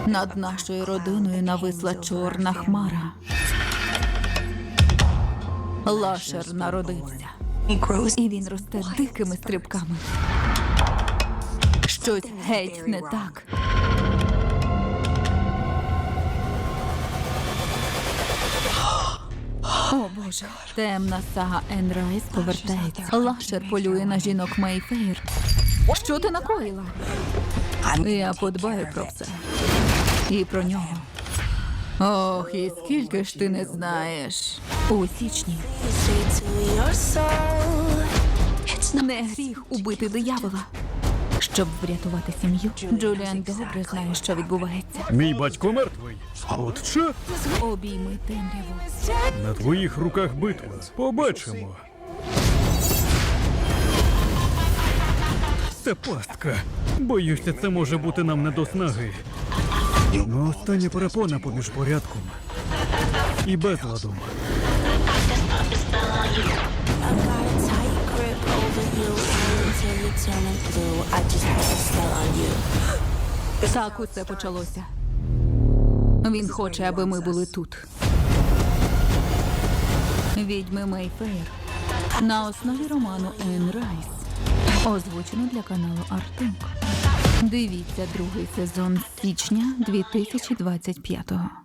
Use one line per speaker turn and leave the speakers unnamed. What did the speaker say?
Над нашою родиною нависла чорна хмара. Лашер народився. І він росте дикими стрибками. Щось геть не так. О, Боже. Темна сага Енн Райс повертається. Лашер полює на жінок Мейфейр. Що ти накоїла? Я подбаю про все. І про нього. Ох, і скільки ж ти не знаєш. У січні. Не гріх убити диявола. Щоб врятувати сім'ю, Джуліан добре знає, що відбувається.
Мій батько мертвий. От що?
Обійми темряву.
На твоїх руках битва. Побачимо. Це пастка. Боюся, це може бути нам не до снаги. Ну, остання перепона поміж порядком і безладом.
Так усе почалося. Він хоче, аби ми були тут. Відьми Мейфейр. На основі роману Енн Райс. Озвучено для каналу Артинг. Дивіться другий сезон з січня 2025-го.